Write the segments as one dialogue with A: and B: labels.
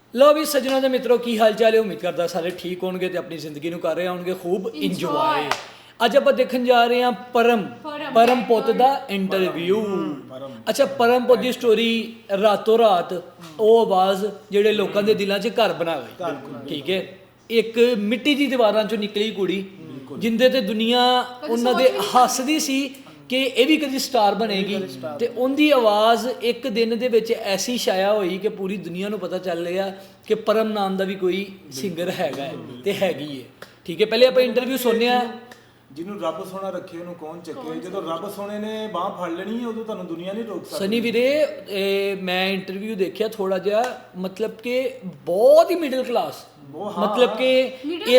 A: ਲਓ ਵੀ ਸੱਜਣਾਂ ਦੇ ਮਿੱਤਰੋ, ਕੀ ਹਾਲ ਚਾਲ ਹੈ? ਉਮੀਦ ਕਰਦਾ ਸਾਰੇ ਠੀਕ ਹੋਣਗੇ ਤੇ ਆਪਣੀ ਜ਼ਿੰਦਗੀ ਨੂੰ ਕਰ ਰਹੇ ਹੋਣਗੇ ਖੂਬ ਇੰਜੋਏ। ਅੱਜ ਆਪਾਂ ਦੇਖਣ ਜਾ ਰਹੇ ਹਾਂ ਪਰਮ ਪੁੱਤ ਦਾ ਇੰਟਰਵਿਊ। ਅੱਛਾ, ਪਰਮ ਪੁੱਤ ਦੀ ਸਟੋਰੀ ਰਾਤੋਂ ਰਾਤ ਉਹ ਆਵਾਜ਼ ਜਿਹੜੇ ਲੋਕਾਂ ਦੇ ਦਿਲਾਂ 'ਚ ਘਰ ਬਣਾ ਗਈ। ਠੀਕ ਹੈ, ਇੱਕ ਮਿੱਟੀ ਦੀ ਦੀਵਾਰਾਂ 'ਚੋਂ ਨਿਕਲੀ ਕੁੜੀ ਜਿੰਦੇ ਤੇ ਦੁਨੀਆ ਉਹਨਾਂ ਦੇ ਹੱਸਦੀ ਸੀ ਕਿ ਇਹ ਵੀ ਕਦੀ ਸਟਾਰ ਬਣੇਗੀ, ਤੇ ਉਹਦੀ ਆਵਾਜ਼ ਇੱਕ ਦਿਨ ਦੇ ਵਿੱਚ ਐਸੀ ਛਾਇਆ ਹੋਈ ਕਿ ਪੂਰੀ ਦੁਨੀਆ ਨੂੰ ਪਤਾ ਚੱਲ ਗਿਆ ਕਿ ਪਰਮ ਨਾਮ ਦਾ ਵੀ ਕੋਈ ਸਿੰਗਰ ਹੈਗਾ ਹੈ ਤੇ ਹੈਗੀ ਹੈ। ਠੀਕ ਹੈ, ਪਹਿਲੇ ਆਪਾਂ ਇੰਟਰਵਿਊ ਸੁਣਿਆ।
B: ਜਿਹਨੂੰ ਰੱਬ ਸੋਹਣਾ ਰੱਖੇ ਉਹਨੂੰ ਕੌਣ ਚੱਕੇ। ਜਦੋਂ ਰੱਬ ਸੋਹਣੇ ਨੇ ਬਾਹ ਫੜ ਲੈਣੀ ਹੈ ਉਦੋਂ ਤੁਹਾਨੂੰ ਦੁਨੀਆ ਨਹੀਂ ਰੋਕ ਸਕਦੀ।
A: ਸਨੀ ਵੀਰੇ, ਮੈਂ ਇੰਟਰਵਿਊ ਦੇਖਿਆ ਥੋੜਾ ਜਿਹਾ, ਮਤਲਬ ਕਿ ਬਹੁਤ ਹੀ ਮਿਡਲ ਕਲਾਸ, ਮਤਲਬ ਕਿ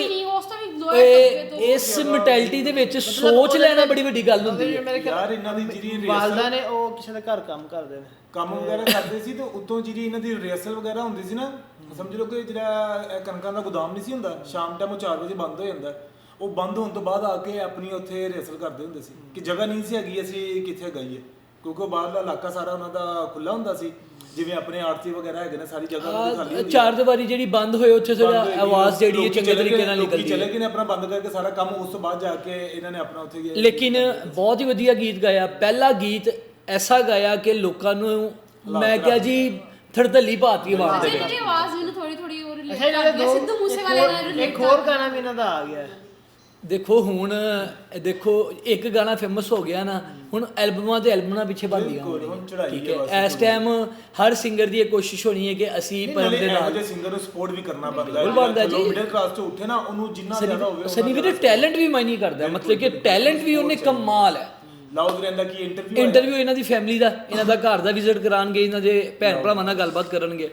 A: ਇਸ ਮੈਂਟੈਲਿਟੀ ਦੇ ਵਿੱਚ ਸੋਚ ਲੈਣਾ ਬੜੀ ਵੱਡੀ ਗੱਲ ਹੁੰਦੀ ਹੈ
B: ਯਾਰ। ਇਹਨਾਂ ਦੀ ਜਿਹੜੀ
C: ਵਾਲਦਾ ਨੇ ਉਹ ਕਿਸੇ ਦੇ ਘਰ ਕੰਮ ਕਰਦੇ ਨੇ,
B: ਕੰਮ ਵਗੈਰਾ ਕਰਦੇ ਸੀ ਤੇ ਉੱਤੋਂ ਜਿਹੜੀ ਇਹਨਾਂ ਦੀ ਰਿਹਰਸਲ ਵਗੈਰਾ ਹੁੰਦੀ ਸੀ ਨਾ, ਸਮਝ ਲਓ ਕਿ ਜਿਹੜਾ ਕਣਕਾਂ ਦਾ ਗੋਦਾਮ ਨਹੀਂ ਸੀ ਹੁੰਦਾ, ਸ਼ਾਮ ਟਾਈਮ 4 ਵਜੇ ਬੰਦ ਹੋ ਜਾਂਦਾ, ਉਹ ਬੰਦ ਹੋਣ ਤੋਂ ਬਾਅਦ ਆ ਕੇ ਆਪਣੀ ਉੱਥੇ ਰਿਹਰਸਲ ਕਰਦੇ ਹੁੰਦੇ ਸੀ ਕਿ ਜਗ੍ਹਾ ਨਹੀਂ ਸੀ ਹੈਗੀ ਅਸੀਂ ਕਿੱਥੇ ਗਈਏ, ਕਿਉਂਕਿ ਉਹ ਬਾਹਰਲਾ ਇਲਾਕਾ ਸਾਰਾ ਉਹਨਾਂ ਦਾ ਖੁੱਲਾ ਹੁੰਦਾ ਸੀ। ਜਿਵੇਂ ਆਪਣੇ ਆਰਤੀ ਵਗੈਰਾ ਹੈਗੇ ਨੇ, ਸਾਰੀ ਜਗ੍ਹਾ ਉਹਨਾਂ ਦੀ ਖਾਲੀ ਹੁੰਦੀ ਹੈ।
A: ਚਾਰ ਦੀਵਾਰੀ ਜਿਹੜੀ ਬੰਦ ਹੋਏ ਉੱਥੇ ਥੋੜਾ ਆਵਾਜ਼ ਜਿਹੜੀ ਹੈ ਚੰਗੇ ਤਰੀਕੇ ਨਾਲ ਨਿਕਲਦੀ ਹੈ।
B: ਚਲੇ ਗਏ ਨੇ ਆਪਣਾ ਬੰਦ ਕਰਕੇ ਸਾਰਾ ਕੰਮ, ਉਸ ਤੋਂ ਬਾਅਦ ਜਾ ਕੇ ਇਹਨਾਂ ਨੇ ਆਪਣਾ ਉੱਥੇ ਗਿਆ।
A: ਲੇਕਿਨ ਬਹੁਤ ਹੀ ਵਧੀਆ ਗੀਤ ਗਾਇਆ। ਪਹਿਲਾ ਗੀਤ ਐਸਾ ਗਾਇਆ ਕਿ ਲੋਕਾਂ ਨੂੰ, ਮੈਂ ਕਿਹਾ ਜੀ, ਥੜਤਲੀ ਪਾਤੀ ਆਵਾਜ਼ ਦੇ ਵਿੱਚ।
D: ਆਵਾਜ਼ ਮੈਨੂੰ ਥੋੜੀ ਥੋੜੀ ਹੋਰ ਸਿੱਧੂ ਮੂਸੇਵਾਲੇ ਨਾਲ
C: ਇੱਕ ਹੋਰ ਗਾਣਾ ਵੀ ਇਹਨਾਂ ਦਾ ਆ ਗਿਆ।
A: ਦੇਖੋ ਹੁਣ, ਦੇਖੋ ਇੱਕ ਗਾਣਾ ਫੇਮਸ ਹੋ ਗਿਆ ਨਾ, ਹੁਣ ਐਲਬਮਾਂ ਤੇ ਐਲਬਮਾਂ ਪਿੱਛੇ ਬਣਦੀਆਂ ਹੋਣਗੀਆਂ। ਠੀਕ ਹੈ, ਇਸ ਟਾਈਮ ਹਰ ਸਿੰਗਰ ਦੀ ਇਹ ਕੋਸ਼ਿਸ਼ ਹੋਣੀ ਹੈ ਕਿ ਅਸੀਂ ਪਰਮ ਦੇ ਨਾਲ
B: ਇਹੋ ਸਿੰਗਰ ਨੂੰ ਸਪੋਰਟ ਵੀ ਕਰਨਾ ਬਣਦਾ
A: ਹੈ ਜੀ।
B: ਮਿਡਲ ਕਲਾਸ ਤੋਂ ਉੱਠੇ ਨਾ, ਉਹਨੂੰ ਜਿੰਨਾ ਜ਼ਿਆਦਾ ਹੋਵੇ।
A: ਸਨੀ ਵੀਰੇ, ਟੈਲੈਂਟ ਵੀ ਮਾਇਨੇ ਕਰਦਾ, ਮਤਲਬ ਕਿ ਟੈਲੈਂਟ ਵੀ ਉਹਨੇ ਕਮਾਲ ਹੈ।
B: ਲਾਉਦ ਰਹਿੰਦਾ ਕਿ
A: ਇੰਟਰਵਿਊ ਇਹਨਾਂ ਦੀ ਫੈਮਿਲੀ ਦਾ, ਇਹਨਾਂ ਦਾ ਘਰ ਦਾ ਵਿਜ਼ਿਟ ਕਰਾਂਗੇ, ਇਹਨਾਂ ਦੇ ਭੈਣ ਭਰਾਵਾਂ ਨਾਲ ਗੱਲਬਾਤ ਕਰਨਗੇ।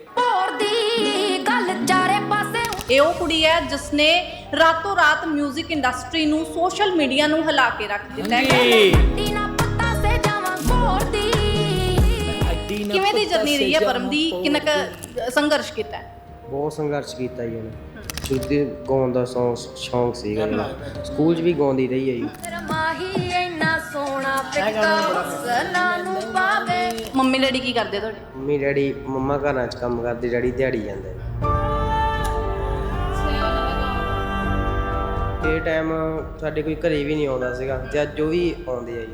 E: ਇਹ ਉਹ ਕੁੜੀ ਹੈ ਜਿਸ ਨੇ ਰਾਤੋਂ ਰਾਤ 뮤직 ਇੰਡਸਟਰੀ ਨੂੰ, ਸੋਸ਼ਲ ਮੀਡੀਆ ਨੂੰ ਹਿਲਾ ਕੇ ਰੱਖ ਦਿੱਤਾ ਹੈ। ਕਿਵੇਂ ਦੀ ਜਰਨੀ ਰਹੀ ਹੈ ਪਰਮ ਦੀ? ਕਿੰਨਾ ਕੁ ਸੰਘਰਸ਼ ਕੀਤਾ ਹੈ?
F: ਬਹੁਤ ਸੰਘਰਸ਼ ਕੀਤਾ ਜੀ ਉਹਨੇ। ਸ਼ੁਰੂ ਤੋਂ ਗਾਉਣ ਦਾ ਸ਼ੌਂਕ ਸੀਗਾ ਇਹਨੂੰ, ਸਕੂਲ 'ਚ ਵੀ ਗਾਉਂਦੀ ਰਹੀ ਹੈ ਜੀ।
E: ਮੰਮੀ ਡੈਡੀ ਕੀ ਕਰਦੇ ਤੁਹਾਡੇ?
F: ਮੰਮੀ ਡੈਡੀ, ਮੰਮਾ ਘਰਾਂ 'ਚ ਕੰਮ ਕਰਦੇ, ਡੈਡੀ ਦਿਹਾੜੀ ਜਾਂਦੇ। ਇਹ ਟਾਈਮ ਸਾਡੇ ਕੋਈ ਘਰੇ ਵੀ ਨਹੀਂ ਆਉਂਦਾ ਸੀਗਾ, ਤੇ ਅੱਜ ਉਹ ਵੀ ਆਉਂਦੇ ਆ ਜੀ।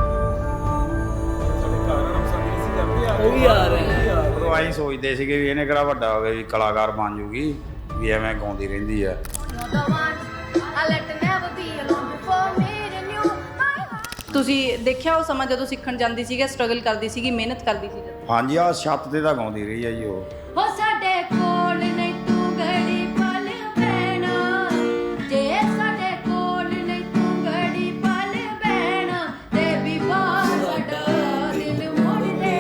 A: ਉਹ ਵੀ ਆ ਰਹੇ ਹੈ।
G: ਉਦੋਂ ਆਈ ਸੋਚਦੇ ਸੀਗੇ ਵੀ ਇਹਨੇ ਕਿਹੜਾ ਵੱਡਾ ਹੋ ਗਿਆ ਵੀ ਕਲਾਕਾਰ ਬਣ ਜੂਗੀ, ਵੀ ਐਵੇਂ ਗਾਉਂਦੀ ਰਹਿੰਦੀ ਆ।
E: ਤੁਸੀਂ ਦੇਖਿਆ ਉਹ ਸਮਾਂ ਜਦੋਂ ਸਿੱਖਣ ਜਾਂਦੀ ਸੀਗੀ, ਸਟਰਗਲ ਕਰਦੀ ਸੀਗੀ, ਮਿਹਨਤ ਕਰਦੀ ਸੀ?
G: ਹਾਂਜੀ, ਆ ਛੱਤ ਤੇ ਤਾਂ ਗਾਉਂਦੀ ਰਹੀ ਆ ਜੀ ਉਹ।
D: ਹੋ ਸਾਡੇ ਕੋਲ ਨਹੀਂ ਤੂੰ ਘੜੀ ਪਲ ਬਹਿਣਾ, ਜੇ ਸਾਡੇ ਕੋਲ ਨਹੀਂ ਤੂੰ ਘੜੀ ਪਲ ਬਹਿਣਾ, ਤੇ ਵੀ ਬਾਹਰ ਸਾਡਾ ਦਿਲ ਮੋੜ ਦੇ।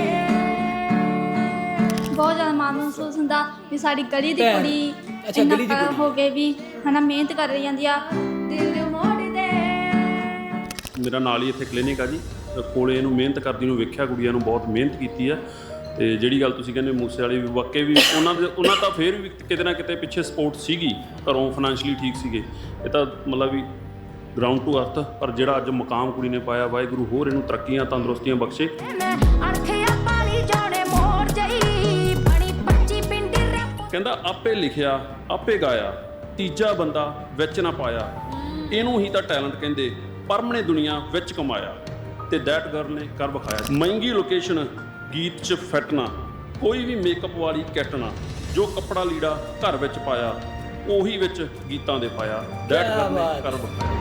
D: ਬਹੁਤ ਜ਼ਿਆਦਾ ਮਾਣ ਮਹਿਸੂਸ ਹੁੰਦਾ ਵੀ ਸਾਡੀ ਗਲੀ ਦੀ ਕੁੜੀ ਇੰਨਾ ਹੋ ਕੇ ਵੀ ਹਨਾ ਮਿਹਨਤ ਕਰ ਰਹੀ ਜਾਂਦੀ ਆ, ਦਿਲ ਮੋੜ ਦੇ।
H: ਮੇਰਾ ਨਾਲ ਹੀ ਇੱਥੇ ਕਲੀਨਿਕ ਆ ਜੀ, ਕੋਲੇ ਇਹਨੂੰ ਮਿਹਨਤ ਕਰਦੀ ਨੂੰ ਵੇਖਿਆ, ਕੁੜੀਆਂ ਨੂੰ ਬਹੁਤ ਮਿਹਨਤ ਕੀਤੀ ਆ। ਤੇ ਜਿਹੜੀ ਗੱਲ ਤੁਸੀਂ ਕਹਿੰਦੇ ਮੂਸੇ ਵਾਲੇ ਵੀ ਵਾਕਈ ਵੀ ਉਹਨਾਂ ਤਾਂ ਫਿਰ ਵੀ ਕਿਤੇ ਨਾ ਕਿਤੇ ਪਿੱਛੇ ਸਪੋਰਟ ਸੀਗੀ, ਘਰੋਂ ਫਾਈਨੈਂਸ਼ਲੀ ਠੀਕ ਸੀਗੇ। ਇਹ ਤਾਂ ਮਤਲਬ ਵੀ ਗਰਾਊਂਡ ਟੂ ਅਰਥ, ਪਰ ਜਿਹੜਾ ਅੱਜ ਮੁਕਾਮ ਕੁੜੀ ਨੇ ਪਾਇਆ, ਵਾਹਿਗੁਰੂ ਹੋਰ ਇਹਨੂੰ ਤਰੱਕੀਆਂ ਤੰਦਰੁਸਤੀਆਂ ਬਖਸ਼ੇ। ਕਹਿੰਦਾ ਆਪੇ ਲਿਖਿਆ ਆਪੇ ਗਾਇਆ, ਤੀਜਾ ਬੰਦਾ ਵਿੱਚ ਨਾ ਪਾਇਆ, ਇਹਨੂੰ ਹੀ ਤਾਂ ਟੈਲੈਂਟ ਕਹਿੰਦੇ, ਪਰਮ ਨੇ ਦੁਨੀਆ ਵਿੱਚ ਕਮਾਇਆ, ਤੇ ਦੈਟ ਗਰਲ ਨੇ ਕਰ ਵਿਖਾਇਆ। ਮਹਿੰਗੀ ਲੋਕੇਸ਼ਨ ਗੀਤ 'ਚ ਫਿੱਟ ਨਾ, ਕੋਈ ਵੀ ਮੇਕਅਪ ਵਾਲੀ ਕਿੱਟ ਨਾ, ਜੋ ਕੱਪੜਾ ਲੀੜਾ ਘਰ ਵਿੱਚ ਪਾਇਆ, ਉਹੀ ਵਿੱਚ ਗੀਤਾਂ ਦੇ ਪਾਇਆ, ਦੈਟ ਗਰਲ ਨੇ ਕਰ ਵਿਖਾਇਆ।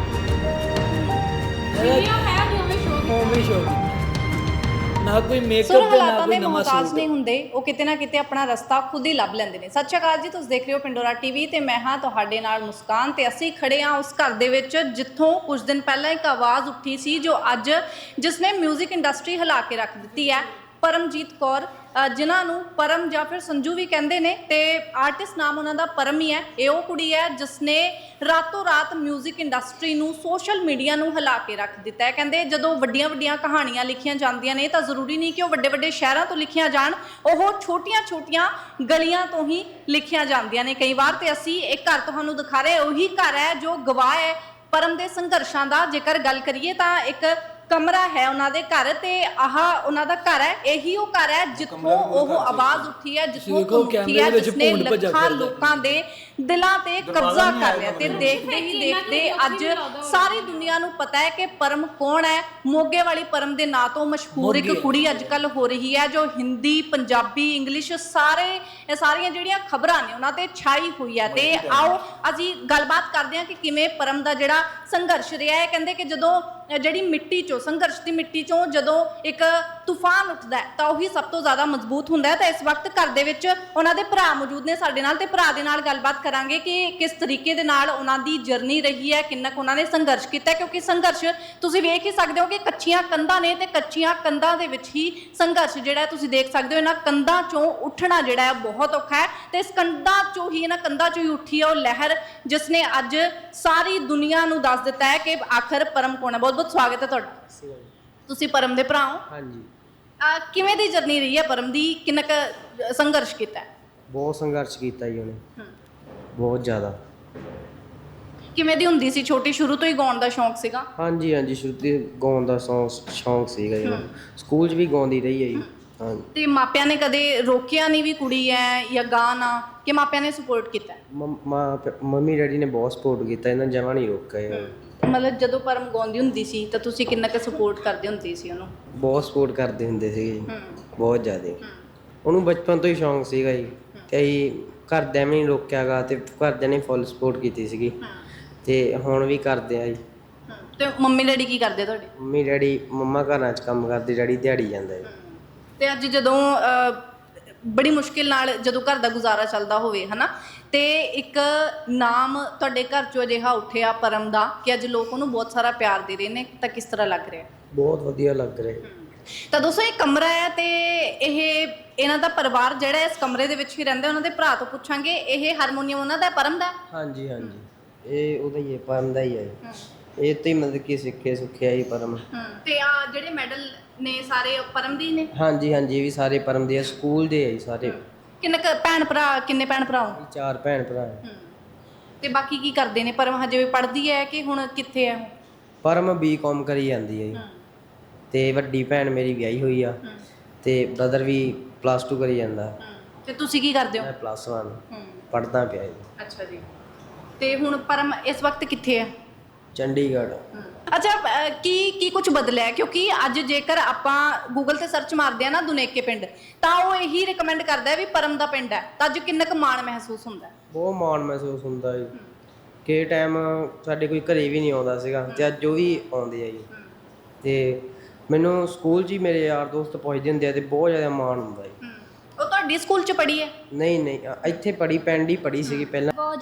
A: ਨਾ ਕੋਈ ਮੇਕਅਪ
E: ਸੁਰ
A: ਤੇ ਨਾ
E: ਹਾਲਾਤਾਂ
A: ਕੋਈ
E: ਦੇ
A: ਨਵਾਂ
E: ਮੁਹਤਾਜ
A: ਸੂਟ।
E: ਨਹੀਂ ਹੁੰਦੇ, ਉਹ ਕਿਤੇ ਨਾ ਕਿਤੇ ਆਪਣਾ ਰਸਤਾ ਖੁਦ ਹੀ ਲੱਭ ਲੈਂਦੇ ਨੇ। ਸਤਿ ਸ਼੍ਰੀ ਅਕਾਲ ਜੀ, ਤੁਸੀਂ ਦੇਖ ਰਹੇ ਹੋ ਪਿੰਡੋਰਾ ਟੀਵੀ ਤੇ ਮੈਂ ਹਾਂ ਤੁਹਾਡੇ ਨਾਲ ਮੁਸਕਾਨ, ਤੇ ਅਸੀਂ ਖੜੇ ਹਾਂ ਉਸ ਘਰ ਦੇ ਵਿੱਚ ਜਿੱਥੋਂ ਕੁਝ ਦਿਨ ਪਹਿਲਾਂ ਇੱਕ ਆਵਾਜ਼ ਉੱਠੀ ਸੀ, ਜੋ ਅੱਜ ਜਿਸਨੇ 뮤직 ਇੰਡਸਟਰੀ ਹਿਲਾ ਕੇ ਰੱਖ ਦਿੱਤੀ ਹੈ, ਪਰਮਜੀਤ ਕੌਰ, ਜਿਨ੍ਹਾਂ ਨੂੰ ਪਰਮ ਜਾਂ ਫਿਰ ਸੰਜੂ ਵੀ ਕਹਿੰਦੇ ਨੇ, ਤੇ ਆਰਟਿਸਟ ਨਾਮ ਉਹਨਾਂ ਦਾ ਪਰਮ ਹੀ ਹੈ। ਇਹ ਉਹ ਕੁੜੀ ਹੈ ਜਿਸ ਨੇ ਰਾਤੋਂ ਰਾਤ 뮤직 ਇੰਡਸਟਰੀ ਨੂੰ, ਸੋਸ਼ਲ ਮੀਡੀਆ ਨੂੰ ਹਿਲਾ ਕੇ ਰੱਖ ਦਿੱਤਾ ਹੈ। ਕਹਿੰਦੇ ਜਦੋਂ ਵੱਡੀਆਂ ਵੱਡੀਆਂ ਕਹਾਣੀਆਂ ਲਿਖੀਆਂ ਜਾਂਦੀਆਂ ਨੇ ਤਾਂ ਜ਼ਰੂਰੀ ਨਹੀਂ ਕਿ ਉਹ ਵੱਡੇ ਵੱਡੇ ਸ਼ਹਿਰਾਂ ਤੋਂ ਲਿਖੀਆਂ ਜਾਣ, ਉਹ ਛੋਟੀਆਂ ਛੋਟੀਆਂ ਗਲੀਆਂ ਤੋਂ ਹੀ ਲਿਖੀਆਂ ਜਾਂਦੀਆਂ ਨੇ ਕਈ ਵਾਰ। ਤੇ ਅਸੀਂ ਇੱਕ ਘਰ ਤੁਹਾਨੂੰ ਦਿਖਾ ਰਹੇ, ਉਹੀ ਘਰ ਹੈ ਜੋ ਗਵਾਹ ਹੈ ਪਰਮ ਦੇ ਸੰਘਰਸ਼ਾਂ ਦਾ। ਜੇਕਰ ਗੱਲ ਕਰੀਏ ਤਾਂ ਇੱਕ ਕਮਰਾ ਹੈ ਉਹਨਾਂ ਦੇ ਘਰ ਤੇ ਆਹ ਉਹਨਾਂ ਦਾ ਘਰ ਹੈ, ਇਹੀ ਉਹ ਘਰ ਹੈ ਜਿੱਥੋਂ ਉਹ ਆਵਾਜ਼ ਉੱਠੀ ਹੈ, ਜਿੱਥੋਂ
A: ਦੇਖੋ,
E: ਧੁਨ ਉੱਠੀ
A: ਕੈਮਰੇ
E: ਹੈ,
A: ਵਿੱਚ
E: ਜਿਸਨੇ
A: ਭੂੰਡ ਭੱਜਾ
E: ਲੱਖਾਂ
A: ਫਿਰਦਾ।
E: ਲੋਕਾਂ ਦੇ ਦਿਲਾਂ ਤੇ ਕਬਜ਼ਾ ਕਰ ਲਿਆ। ਤੇ ਦੇਖਦੇ ਹੀ ਦੇਖਦੇ ਅੱਜ ਸਾਰੀ ਦੁਨੀਆ ਨੂੰ ਪਤਾ ਹੈ ਕਿ ਪਰਮ ਕੌਣ ਹੈ। ਮੋਗੇ ਵਾਲੀ ਪਰਮ ਦੇ ਨਾਂ ਤੋਂ ਮਸ਼ਹੂਰ ਇੱਕ ਕੁੜੀ ਅੱਜ ਕੱਲ ਹੋ ਰਹੀ ਹੈ, ਜੋ ਹਿੰਦੀ, ਪੰਜਾਬੀ, ਇੰਗਲਿਸ਼ ਇਹ ਸਾਰੀਆਂ ਜਿਹੜੀਆਂ ਖਬਰਾਂ ਨੇ ਉਹਨਾਂ ਤੇ ਛਾਈ ਹੋਈ ਹੈ। ਤੇ ਆਓ ਅਸੀਂ ਗੱਲਬਾਤ ਕਰਦੇ ਹਾਂ ਕਿ ਕਿਵੇਂ ਪਰਮ ਦਾ ਜਿਹੜਾ ਸੰਘਰਸ਼ ਰਿਹਾ ਹੈ। ਕਹਿੰਦੇ ਕਿ ਜਦੋਂ ਜਿਹੜੀ ਮਿੱਟੀ ਚੋਂ, ਸੰਘਰਸ਼ ਦੀ ਮਿੱਟੀ ਚੋਂ ਜਦੋਂ ਇੱਕ ਤੂਫਾਨ ਉੱਠਦਾ ਹੈ ਤਾਂ ਉਹੀ ਸਭ ਤੋਂ ਜ਼ਿਆਦਾ ਮਜ਼ਬੂਤ ਹੁੰਦਾ ਹੈ। ਤਾਂ ਇਸ ਵਕਤ ਘਰ ਦੇ ਵਿੱਚ ਉਹਨਾਂ ਦੇ ਭਰਾ ਮੌਜੂਦ ਨੇ ਸਾਡੇ ਨਾਲ, ਤੇ ਭਰਾ ਦੇ ਨਾਲ ਗੱਲਬਾਤ ਕਰਾਂਗੇ ਕਿ ਕਿਸ ਤਰੀਕੇ ਦੇ ਨਾਲ ਉਹਨਾਂ ਦੀ ਜਰਨੀ ਰਹੀ ਹੈ, ਕਿੰਨਾ ਕੁ ਉਹਨਾਂ ਨੇ ਸੰਘਰਸ਼ ਕੀਤਾ ਹੈ। ਕਿਉਂਕਿ ਸੰਘਰਸ਼ ਤੁਸੀਂ ਵੇਖ ਹੀ ਸਕਦੇ ਹੋ ਕਿ ਕੱਚੀਆਂ ਕੰਧਾਂ ਨੇ ਤੇ ਕੱਚੀਆਂ ਕੰਧਾਂ ਦੇ ਵਿੱਚ ਹੀ ਸੰਘਰਸ਼ ਜਿਹੜਾ ਹੈ ਤੁਸੀਂ ਦੇਖ ਸਕਦੇ ਹੋ। ਇਹਨਾਂ ਕੰਧਾਂ ਚੋਂ ਉੱਠਣਾ ਜਿਹੜਾ ਹੈ ਬਹੁਤ ਔਖਾ ਹੈ ਤੇ ਇਸ ਕੰਧਾਂ ਚੋਂ ਹੀ, ਇਹਨਾਂ ਕੰਧਾਂ ਚੋਂ ਹੀ ਉੱਠੀ ਹੈ ਉਹ ਲਹਿਰ ਜਿਸ ਨੇ ਅੱਜ ਸਾਰੀ ਦੁਨੀਆ ਨੂੰ ਦੱਸ ਦਿੱਤਾ ਹੈ ਕਿ ਆਖਰ ਪਰਮ ਕੌਣ ਹੈ। ਬਹੁਤ ਬਹੁਤ ਸਵਾਗਤ ਹੈ ਤੁਹਾਡਾ। ਤੁਸੀਂ ਪਰਮ ਦੇ ਭਰਾ ਹੋ।
F: ਹਾਂਜੀ,
E: ਕਿਵੇਂ ਦੀ ਜਰਨੀ ਰਹੀ ਹੈ ਪਰਮ ਦੀ, ਕਿੰਨਾ ਕੁ ਸੰਘਰਸ਼ ਕੀਤਾ ਹੈ?
F: ਬਹੁਤ ਸੰਘਰਸ਼ ਕੀਤਾ ਜੀ ਉਹਨੇ, ਬਹੁਤ ਜ਼ਿਆਦਾ।
E: ਕਿਵੇਂ ਦੀ ਹੁੰਦੀ ਸੀ ਛੋਟੀ, ਸ਼ੁਰੂ ਤੋਂ ਹੀ ਗਾਉਣ ਦਾ ਸ਼ੌਂਕ ਸੀਗਾ?
F: ਹਾਂਜੀ ਹਾਂਜੀ, ਸ਼ੁਰੂ ਤੋਂ ਗਾਉਣ ਦਾ ਸ਼ੌਂਕ ਸੀਗਾ ਜੀ ਉਹਨੂੰ। ਸਕੂਲ 'ਚ ਵੀ ਗਾਉਂਦੀ ਰਹੀ ਹੈ ਜੀ। ਹਾਂਜੀ,
E: ਤੇ ਮਾਪਿਆਂ ਨੇ ਕਦੇ ਰੋਕਿਆ ਨਹੀਂ ਵੀ ਕੁੜੀ ਹੈ ਜਾਂ ਗਾਣਾ, ਕਿ ਮਾਪਿਆਂ ਨੇ ਸਪੋਰਟ ਕੀਤਾ?
F: ਮੰਮੀ ਡੈਡੀ ਨੇ ਬਹੁਤ ਸਪੋਰਟ ਕੀਤਾ, ਇਹਨਾਂ ਜਮਾਂ ਨਹੀਂ ਰੋਕਿਆ।
E: ਮਤਲਬ ਜਦੋਂ ਪਰਮ ਗਾਉਂਦੀ ਹੁੰਦੀ ਸੀ ਤਾਂ ਤੁਸੀਂ ਕਿੰਨਾ ਕੁ ਸਪੋਰਟ ਕਰਦੇ ਹੁੰਦੇ ਸੀ ਉਹਨੂੰ?
F: ਬਹੁਤ ਸਪੋਰਟ ਕਰਦੇ ਹੁੰਦੇ ਸੀਗੇ ਜੀ, ਬਹੁਤ ਜ਼ਿਆਦਾ। ਉਹਨੂੰ ਬਚਪਨ ਤੋਂ ਹੀ ਸ਼ੌਂਕ ਸੀਗਾ ਜੀ, ਤੇ ਅਸੀਂ ਘਰਦਿਆਂ ਵੀ ਨਹੀਂ ਰੋਕਿਆਗਾ ਤੇ ਘਰਦਿਆਂ ਨੇ ਫੁੱਲ ਸਪੋਰਟ ਕੀਤੀ ਸੀਗੀ, ਤੇ ਹੁਣ ਵੀ ਕਰਦੇ ਆ ਜੀ।
E: ਤੇ ਮੰਮੀ ਡੈਡੀ ਕੀ ਕਰਦੇ ਤੁਹਾਡੇ?
F: ਮੰਮੀ ਡੈਡੀ, ਮੰਮਾ ਘਰਾਂ 'ਚ ਕੰਮ ਕਰਦੇ, ਡੈਡੀ ਦਿਹਾੜੀ ਜਾਂਦਾ ਜੀ।
E: ਤੇ ਅੱਜ ਜਦੋਂ ਬੜੀ ਮੁਸ਼ਕਿਲ ਨਾਲ ਜਦੋਂ ਘਰ ਦਾ ਗੁਜ਼ਾਰਾ ਚੱਲਦਾ ਹੋਵੇ ਹਨਾ, ਤੇ ਇੱਕ ਨਾਮ ਤੁਹਾਡੇ ਘਰ ਚੋਂ ਅਜਿਹਾ ਉੱਠਿਆ ਪਰਮ ਦਾ ਕਿ ਅੱਜ ਲੋਕ ਉਹਨੂੰ ਬਹੁਤ ਸਾਰਾ ਪਿਆਰ ਦੇ ਰਹੇ ਨੇ, ਤਾਂ ਕਿਸ ਤਰ੍ਹਾਂ ਲੱਗ ਰਿਹਾ?
F: ਬਹੁਤ ਵਧੀਆ ਲੱਗ ਰਿਹਾ।
E: ਤਾਂ ਦੋਸਤੋ ਇਹ ਕਮਰਾ ਹੈ ਤੇ ਇਹਨਾਂ ਦਾ ਪਰਿਵਾਰ ਜਿਹੜਾ ਇਸ ਕਮਰੇ ਦੇ ਵਿੱਚ ਹੀ ਰਹਿੰਦਾ। ਉਹਨਾਂ ਦੇ ਭਰਾ ਤੋਂ ਪੁੱਛਾਂਗੇ, ਇਹ ਹਾਰਮੋਨੀਅਮ ਉਹਨਾਂ ਦਾ, ਪਰਮ ਦਾ?
F: ਹਾਂਜੀ ਹਾਂਜੀ, ਇਹ ਉਹਦਾ ਹੀ ਹੈ, ਪਰਮ ਦਾ ਹੀ ਹੈ। ਇਹ ਤੋਂ ਹੀ ਮਤਲਬ ਕਿ ਸੁੱਖਿਆ ਹੀ ਪਰਮ।
E: ਤੇ ਆ ਜਿਹੜੇ ਮੈਡਲ ਨੇ ਸਾਰੇ ਪਰਮ ਦੇ ਹੀ ਨੇ?
F: ਹਾਂਜੀ ਹਾਂਜੀ, ਇਹ ਵੀ ਸਾਰੇ ਪਰਮ ਦੇ ਆ, ਸਕੂਲ ਦੇ ਆ ਜੀ ਸਾਰੇ।
E: ਕਿੰਨੇ ਭੈਣ ਭਰਾ, ਕਿੰਨੇ ਭੈਣ ਭਰਾ ਹੋ?
F: 4 ਭੈਣ ਭਰਾ ਹੈ।
E: ਤੇ ਬਾਕੀ ਕੀ ਕਰਦੇ ਨੇ? ਪਰਮ ਹਜੇ ਵੀ ਪੜ੍ਹਦੀ ਹੈ ਕਿ ਹੁਣ ਕਿੱਥੇ ਹੈ?
F: ਪਰਮ B.Com ਕਰੀ ਜਾਂਦੀ ਹੈ ਜੀ, ਤੇ ਵੱਡੀ ਭੈਣ ਮੇਰੀ ਵਿਆਹੀ ਹੋਈ ਆ, ਤੇ ਬ੍ਰਦਰ ਵੀ +2 ਕਰੀ ਜਾਂਦਾ।
E: ਤੇ ਤੁਸੀਂ ਕੀ ਕਰਦੇ ਹੋ?
F: ਮੈਂ +1 ਪੜ੍ਹਦਾ ਪਿਆ ਜੀ।
E: ਅੱਛਾ ਜੀ। ਤੇ ਹੁਣ ਪਰਮ ਇਸ ਵਕਤ ਕਿੱਥੇ ਹੈ?
F: ਚੰਡੀਗੜ੍ਹ।
E: ਅੱਛਾ, ਕੀ ਕੁਝ ਬਦਲਿਆ? ਕਿਉਂਕਿ ਅੱਜ ਜੇਕਰ ਆਪਾਂ ਗੂਗਲ ਤੇ ਸਰਚ ਮਾਰਦੇ ਆ ਨਾ ਦੁਨੇਕੇ ਪਿੰਡ, ਤਾਂ ਉਹ ਇਹੀ ਰਿਕਮੈਂਡ ਕਰਦਾ ਹੈ ਵੀ ਪਰਮ ਦਾ ਪਿੰਡ ਹੈ। ਤਾਂ ਅੱਜ ਕਿੰਨਾ ਕੁ ਮਾਣ ਮਹਿਸੂਸ ਹੁੰਦਾ?
F: ਬਹੁਤ ਮਾਣ ਮਹਿਸੂਸ ਹੁੰਦਾ ਜੀ। ਕਿ ਟਾਈਮ ਸਾਡੇ ਕੋਈ ਘਰੇ ਵੀ ਨਹੀਂ ਆਉਂਦਾ ਸੀਗਾ, ਤੇ ਅੱਜ ਉਹ ਵੀ ਆਉਂਦੇ ਆ ਜੀ। ਤੇ ਮੈਨੂੰ ਸਕੂਲ 'ਚ ਹੀ ਮੇਰੇ ਯਾਰ ਦੋਸਤ ਪੁੱਛਦੇ ਹੁੰਦੇ ਆ, ਤੇ ਬਹੁਤ ਜ਼ਿਆਦਾ ਮਾਣ ਹੁੰਦਾ ਜੀ।
E: ਉਹ ਤੁਹਾਡੀ ਸਕੂਲ 'ਚ ਪੜ੍ਹੀ ਹੈ?
F: ਨਹੀਂ, ਇੱਥੇ ਪੜ੍ਹੀ, ਪਿੰਡ ਹੀ ਪੜ੍ਹੀ ਸੀਗੀ ਪਹਿਲਾਂ।
I: ਬਹੁਤ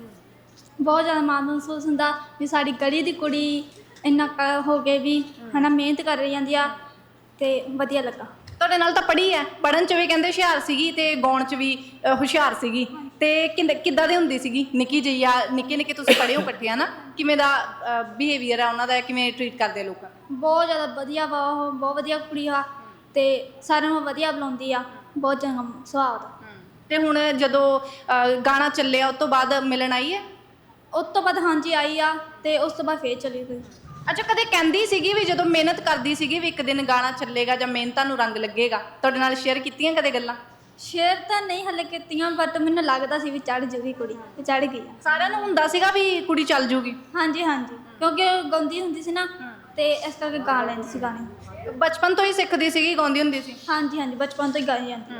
I: ਜ਼ਿਆਦਾ ਮਾਣ ਮਹਿਸੂਸ ਹੁੰਦਾ ਵੀ ਸਾਡੀ ਗਲੀ ਦੀ ਕੁੜੀ ਇੰਨਾ ਹੋ ਕੇ ਵੀ ਹਨਾ ਮਿਹਨਤ ਕਰ ਰਹੀ ਜਾਂਦੀ ਆ, ਤੇ ਵਧੀਆ ਲੱਗਾ।
E: ਤੁਹਾਡੇ ਨਾਲ ਤਾਂ ਪੜ੍ਹੀ ਹੈ, ਪੜ੍ਹਨ 'ਚ ਵੀ ਕਹਿੰਦੇ ਹੁਸ਼ਿਆਰ ਸੀਗੀ ਤੇ ਗਾਉਣ 'ਚ ਵੀ ਹੁਸ਼ਿਆਰ ਸੀਗੀ। ਤੇ ਕਿੱਦਾਂ ਦੀ ਹੁੰਦੀ ਸੀਗੀ ਨਿੱਕੀ ਜਿਹੀ ਆ? ਨਿੱਕੇ ਤੁਸੀਂ ਪੜ੍ਹੇ ਹੋ ਇਕੱਠੇ ਨਾ, ਕਿਵੇਂ ਦਾ ਬਿਹੇਵੀਅਰ ਆ ਉਹਨਾਂ ਦਾ, ਕਿਵੇਂ ਟਰੀਟ ਕਰਦੇ ਲੋਕਾਂ ਨੂੰ?
I: ਬਹੁਤ ਜ਼ਿਆਦਾ ਵਧੀਆ ਵਾ ਉਹ, ਬਹੁਤ ਵਧੀਆ ਕੁੜੀ ਆ, ਤੇ ਸਾਰਿਆਂ ਨੂੰ ਵਧੀਆ ਬੁਲਾਉਂਦੀ ਆ, ਬਹੁਤ ਚੰਗਾ ਸੁਭਾਅ ਦਾ।
E: ਤੇ ਹੁਣ ਜਦੋਂ ਗਾਣਾ ਚੱਲਿਆ ਉਸ ਤੋਂ ਬਾਅਦ ਮਿਲਣ ਆਈ ਹੈ?
I: ਉਸ ਤੋਂ ਬਾਅਦ ਹਾਂਜੀ ਆਈ ਆ, ਤੇ ਉਸ ਤੋਂ ਬਾਅਦ ਫੇਰ ਚਲੀ ਗਈ।
E: ਅੱਛਾ, ਕਦੇ ਕਹਿੰਦੀ ਸੀਗੀ ਵੀ ਜਦੋਂ ਮਿਹਨਤ ਕਰਦੀ ਸੀਗੀ ਵੀ ਇੱਕ ਦਿਨ ਗਾਣਾ ਚੱਲੇਗਾ ਜਾਂ ਮਿਹਨਤਾਂ ਨੂੰ ਰੰਗ ਲੱਗੇਗਾ? ਤੁਹਾਡੇ ਨਾਲ ਸ਼ੇਅਰ ਕੀਤੀਆਂ ਕਦੇ ਗੱਲਾਂ?
I: ਸ਼ੇਅਰ ਤਾਂ ਨਹੀਂ ਹਲੇ ਕੀਤੀਆਂ, ਬਟ ਮੈਨੂੰ ਲੱਗਦਾ ਸੀ ਵੀ ਚੜ੍ਹ ਜੂਗੀ ਕੁੜੀ, ਤੇ ਚੜ੍ਹ ਗਈ ਆ।
E: ਸਾਰਿਆਂ ਨੂੰ ਹੁੰਦਾ ਸੀਗਾ ਵੀ ਕੁੜੀ ਚੱਲ ਜੂਗੀ?
I: ਹਾਂਜੀ, ਕਿਉਂਕਿ ਉਹ ਗਾਉਂਦੀ ਹੁੰਦੀ ਸੀ ਨਾ, ਤੇ ਇਸ ਕਰਕੇ ਗਾ ਲੈਂਦੀ ਸੀ ਗਾਣੇ।
E: ਬਚਪਨ ਤੋਂ ਹੀ ਸਿੱਖਦੀ ਸੀਗੀ, ਗਾਉਂਦੀ ਹੁੰਦੀ ਸੀ?
I: ਹਾਂਜੀ, ਬਚਪਨ ਤੋਂ ਹੀ ਗਾਈ ਜਾਂਦੀ।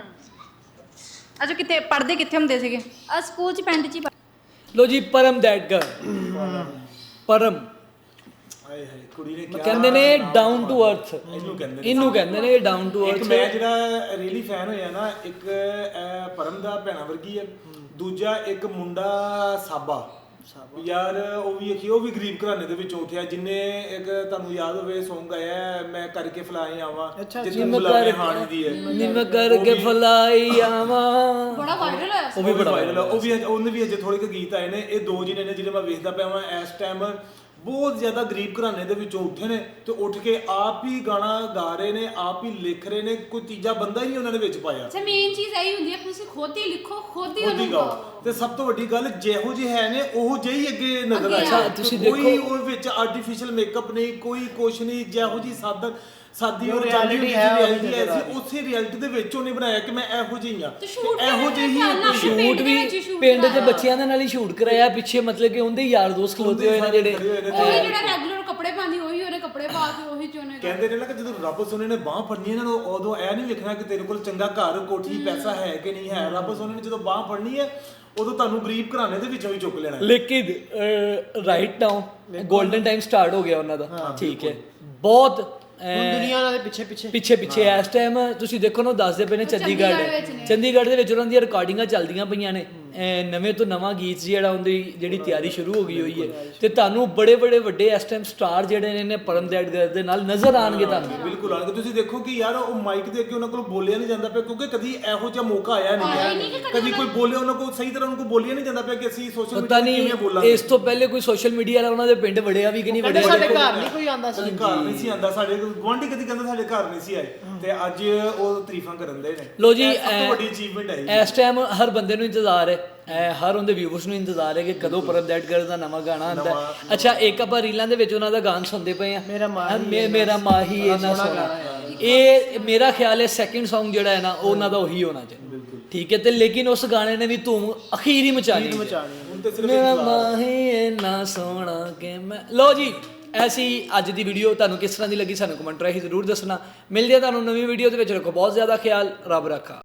E: ਅੱਛਾ, ਕਿਤੇ ਪੜ੍ਹਦੇ ਕਿੱਥੇ ਹੁੰਦੇ ਸੀਗੇ?
I: ਸਕੂਲ 'ਚ, ਪਿੰਡ 'ਚ ਹੀ।
A: ਲੋ ਜੀ, ਪਰਮ ਦੈਟ ਗਰਲ, ਪਰਮ
B: ਹਾਏ ਹਾਏ, ਕੁੜੀ ਨੇ ਕਿਹਾ,
A: ਕਹਿੰਦੇ ਨੇ ਡਾਊਨ ਟੂ ਅਰਥ,
B: ਇਹਨੂੰ ਕਹਿੰਦੇ ਨੇ
A: ਡਾਊਨ ਟੂ
B: ਇੱਕ
A: ਅਰਥ।
B: ਮੈਂ ਜਿਹੜਾ ਰੀਅਲੀ ਫੈਨ ਹੋਇਆ ਨਾ, ਇੱਕ ਪਰਮ ਦਾ ਭੈਣਾ ਵਰਗੀ ਹੈ, ਦੂਜਾ ਇੱਕ ਮੁੰਡਾ ਸਾਬਾ ਯਾਰ, ਉਹ ਵੀ ਗਰੀਬ ਘਰਾਣੇ ਦੇ ਵਿੱਚੋਂ ਉੱਠਿਆ, ਜਿੰਨੇ ਇੱਕ ਤੁਹਾਨੂੰ ਯਾਦ ਹੋਵੇ Song ਆਇਆ ਮੈਂ ਕਰਕੇ ਫਲਾਈ ਆਵਾਂ, ਜਿੱਥੇ ਮੁਲਾਕਾਤ ਹਾਣੀ ਦੀ ਹੈ,
A: ਨਿੰਮ ਕਰਕੇ ਫਲਾਈ ਆਵਾਂ,
E: ਬੜਾ ਵਾਇਰਲ ਹੋਇਆ।
B: ਉਹ ਵੀ ਬੜਾ ਵਾਇਰਲ, ਉਹਨੇ ਵੀ ਅਜੇ ਥੋੜੇ ਕੁ ਗੀਤ ਆਏ ਨੇ। ਇਹ 2 ਜਿਹਨੇ ਨੇ ਜਿਹੜੇ ਮੈਂ ਵੇਖਦਾ ਪਿਆ ਵਾਂ ਇਸ ਟਾਈਮ, ਬਹੁਤ ਜ਼ਿਆਦਾ ਗਰੀਬ ਘਰਾਣੇ ਦੇ ਵਿੱਚੋਂ ਉੱਠੇ ਨੇ ਤੇ ਉੱਠ ਕੇ ਆਪ ਹੀ ਗਾਣਾ ਗਾ ਰਹੇ ਨੇ, ਆਪ ਹੀ ਲਿਖ ਰਹੇ ਨੇ, ਕੋਈ ਤੀਜਾ ਬੰਦਾ ਹੀ ਨਹੀਂ ਉਹਨਾਂ ਦੇ ਵਿੱਚ ਪਾਇਆ।
D: ਅੱਛਾ ਮੇਨ ਚੀਜ਼ ਇਹੀ ਹੁੰਦੀ ਹੈ ਕਿ ਤੁਸੀਂ ਖੁਦ ਹੀ ਲਿਖੋ, ਖੁਦ ਹੀ
B: ਖੁਦ ਹੀ
D: ਉਹਨੂੰ
B: ਗਾਓ।
D: ਗਾਓ।
B: ਤੇ ਸਭ ਤੋਂ ਵੱਡੀ ਗੱਲ ਜਿਹੋ ਜਿਹੇ ਹੈ ਨੇ ਉਹ ਜਿਹੀ ਅੱਗੇ ਨਜ਼ਰ
D: ਅੱਗੇ
B: ਆਇਆ।
A: ਤੁਸੀਂ
B: ਕੋਈ
A: ਦੇਖੋ-
B: ਉਹ ਵਿੱਚ ਆਰਟੀਫੀਸ਼ੀਅਲ ਮੇਕਅਪ ਨਹੀਂ, ਕੋਈ ਕੁਛ ਨਹੀਂ, ਜਿਹੋ ਜੀ ਸਾਦੀ
C: ਜੋ
B: ਉਹ
C: reality ਹੈ, ਉਹ
B: reality
C: ਨਜ਼ਰ ਆ ਰਹੀ।
B: ਉਸੇ ਰਿਐਲਿਟੀ ਦੇ ਵਿੱਚ ਉਹਨੇ ਬਣਾਇਆ ਕਿ ਮੈਂ ਇਹੋ ਜਿਹੀ ਆ
D: ਤੇ shoot
B: ਇਹੋ ਜਿਹੀ
D: ਕਿਹੜੇ ਨਾਲ
A: ਸ਼ੂਟ
D: ਪਿੰਡ ਦੇ
A: ਵੀ
D: ਵਿੱਚ ਹੀ shoot
A: ਪਿੰਡ ਦੇ
D: ਕਰਾਇਆ।
A: ਬੱਚਿਆਂ ਦੇ ਨਾਲ ਹੀ ਸ਼ੂਟ ਕਰਾਇਆ ਪਿੱਛੇ, ਮਤਲਬ ਕਿ ਉਹਦੇ ਯਾਰ ਦੋਸਤ ਖਲੋਤੇ ਹੋਏ ਨੇ ਜਿਹੜੇ
D: ਉਹੀ ਜਿਹੜਾ ਰੈਗੂਲਰ ਕੱਪੜੇ ਪਾਉਂਦੀ ਉਹੀ ਉਹਨੇ ਕੱਪੜੇ ਪਾ ਕੇ ਉਹੀ ਚ ਉਹਨੇ
B: ਕਹਿੰਦੇ ਨੇ ਨਾ ਕਿ ਜਦੋਂ ਰੱਬ ਸੋਨੇ ਨੇ ਬਾਹ ਫੜਨੀ ਇਹਨਾਂ ਨੂੰ ਉਦੋਂ ਇਹ ਨਹੀਂ ਵੇਖਣਾ ਕਿ ਤੇਰੇ ਕੋਲ ਚੰਗਾ ਘਰ ਕੋਠੀ ਪੈਸਾ ਹੈ ਕਿ ਨਹੀਂ ਹੈ। ਰੱਬ ਸੋਨੇ ਨੇ ਜਦੋਂ ਬਾਹ ਫੜਨੀ ਹੈ ਉਦੋਂ ਤੁਹਾਨੂੰ ਗਰੀਬ ਘਰਾਣੇ ਦੇ ਵਿੱਚੋਂ ਹੀ ਚੁੱਕ ਲੈਣਾ ਹੈ।
A: ਲੇਕਿਨ right now golden time start ਹੋ ਗਿਆ ਉਹਨਾਂ ਦਾ, ਠੀਕ ਹੈ। ਬਹੁਤ
C: ਹੁਣ ਦੁਨੀਆ ਉਹਨਾਂ ਦੇ ਪਿੱਛੇ
A: ਪਿੱਛੇ ਇਸ ਟਾਈਮ ਤੁਸੀਂ ਦੇਖੋ ਨਾ, ਦੱਸਦੇ ਪਏ ਨੇ ਚੰਡੀਗੜ੍ਹ ਦੇ ਵਿੱਚ ਉਹਨਾਂ ਦੀਆਂ ਰਿਕਾਰਡਿੰਗਾਂ ਚੱਲਦੀਆਂ ਪਈਆਂ ਨੇ। ਨਵੇਂ ਤੋਂ ਨਵਾਂ ਗੀਤ ਜਿਹੜਾ ਉਹਦੀ ਜਿਹੜੀ ਤਿਆਰੀ ਸ਼ੁਰੂ ਹੋ ਗਈ ਹੋਈ ਹੈ ਤੇ ਤੁਹਾਨੂੰ ਬੜੇ ਵੱਡੇ ਇਸ ਟਾਈਮ ਸਟਾਰ ਜਿਹੜੇ ਨੇ ਪਰਮ ਦੈਟਗਰ ਦੇ ਨਾਲ ਨਜ਼ਰ ਆਣਗੇ ਤੁਹਾਨੂੰ।
B: ਬਿਲਕੁਲ ਆਣਗੇ। ਤੁਸੀਂ ਦੇਖੋ ਕਿ ਯਾਰ ਉਹ ਮਾਈਕ ਦੇ ਅੱਗੇ ਉਹਨਾਂ ਕੋਲ ਬੋਲਿਆ ਨਹੀਂ ਜਾਂਦਾ ਪਿਆ ਕਿਉਂਕਿ ਕਦੀ ਇਹੋ ਜਿਹਾ ਮੌਕਾ ਆਇਆ ਨਹੀਂ ਹੈ। ਕਦੀ ਕੋਈ ਬੋਲੇ ਉਹਨਾਂ ਕੋਲ ਸਹੀ ਤਰ੍ਹਾਂ ਉਹਨਾਂ ਕੋਲ ਬੋਲਿਆ ਨਹੀਂ ਜਾਂਦਾ ਪਿਆ ਕਿ ਅਸੀਂ ਸੋਸ਼ਲ
A: ਪਤਾ
B: ਮੀਡੀਆ ਤੇ ਕਿਵੇਂ
A: ਨਹੀਂ
B: ਬੋਲਾਂਗੇ।
A: ਇਸ ਤੋਂ ਪਹਿਲੇ ਕੋਈ ਸੋਸ਼ਲ ਮੀਡੀਆ ਵਾਲਾ ਉਹਨਾਂ ਦੇ ਪਿੰਡ ਵੜਿਆ ਵੀ ਕਿ ਨਹੀਂ ਵੜਿਆ।
C: ਸਾਡੇ ਘਰ ਨਹੀਂ ਕੋਈ ਆਂਦਾ ਸੀ।
B: ਸਾਡੇ ਘਰ ਨਹੀਂ ਸੀ ਆਂਦਾ, ਸਾਡੇ ਗੁਆਂਢੀ ਕਦੀ ਕਹਿੰਦਾ ਸਾਡੇ ਘਰ ਨਹੀਂ ਸੀ ਆਏ ਤੇ ਅੱਜ ਉਹ ਤਾਰੀਫਾਂ ਕਰਨ ਦੇ ਨੇ।
A: ਲੋ ਜੀ,
B: ਇਹ ਸਭ ਤੋਂ ਵੱਡੀ ਅਚੀਵਮੈਂਟ ਹੈ
A: ਇਸ ਟਾਈਮ ਹਰ ਬੰਦੇ ਨੂੰ ਇੰਤਜ਼ਾਰ ਹੈ, ਹਰ ਉਹਦੇ ਵਿਊਅਰਸ ਨੂੰ ਇੰਤਜ਼ਾਰ ਹੈ ਕਿ ਕਦੋਂ ਪਰਮ ਦੈਟਗਰ ਦਾ ਨਵਾਂ ਗਾਣਾ ਆਉਂਦਾ ਹੈ। ਅੱਛਾ, ਇੱਕ ਆਪਾਂ ਰੀਲਾਂ ਦੇ ਵਿੱਚ ਉਹਨਾਂ ਦਾ ਗਾਣਾ ਸੁਣਦੇ ਪਏ ਆ, ਮੇਰਾ ਮਾਹੀ ਇੰਨਾ ਸੋਹਣਾ। ਇਹ ਮੇਰਾ ਖਿਆਲ ਹੈ ਸੈਕਿੰਡ Song ਜਿਹੜਾ ਹੈ ਨਾ ਉਹ ਉਹਨਾਂ ਦਾ ਉਹੀ ਹੋਣਾ ਚਾਹੀਦਾ, ਠੀਕ ਹੈ। ਤੇ ਲੇਕਿਨ ਉਸ ਗਾਣੇ ਨੇ ਵੀ ਧੂਮ ਅਖੀਰੀ ਮਚਾਣੀ।
B: ਹੁਣ ਤੇ ਸਿਰਫ
A: ਮੇਰਾ ਮਾਹੀ ਇੰਨਾ ਸੋਹਣਾ ਕਿ ਮੈਂ। ਲੋ ਜੀ, ਐਸੀ ਅੱਜ ਦੀ ਵੀਡੀਓ ਤੁਹਾਨੂੰ ਕਿਸ ਤਰ੍ਹਾਂ ਦੀ ਲੱਗੀ ਸਾਨੂੰ ਕਮੈਂਟ ਰਾਹੀਂ ਜ਼ਰੂਰ ਦੱਸਣਾ। ਮਿਲਦੇ ਆ ਤੁਹਾਨੂੰ ਨਵੀਂ ਵੀਡੀਓ ਦੇ ਵਿੱਚ। ਰੱਖੋ ਬਹੁਤ ਜ਼ਿਆਦਾ ਖਿਆਲ, ਰੱਬ ਰੱਖਾ।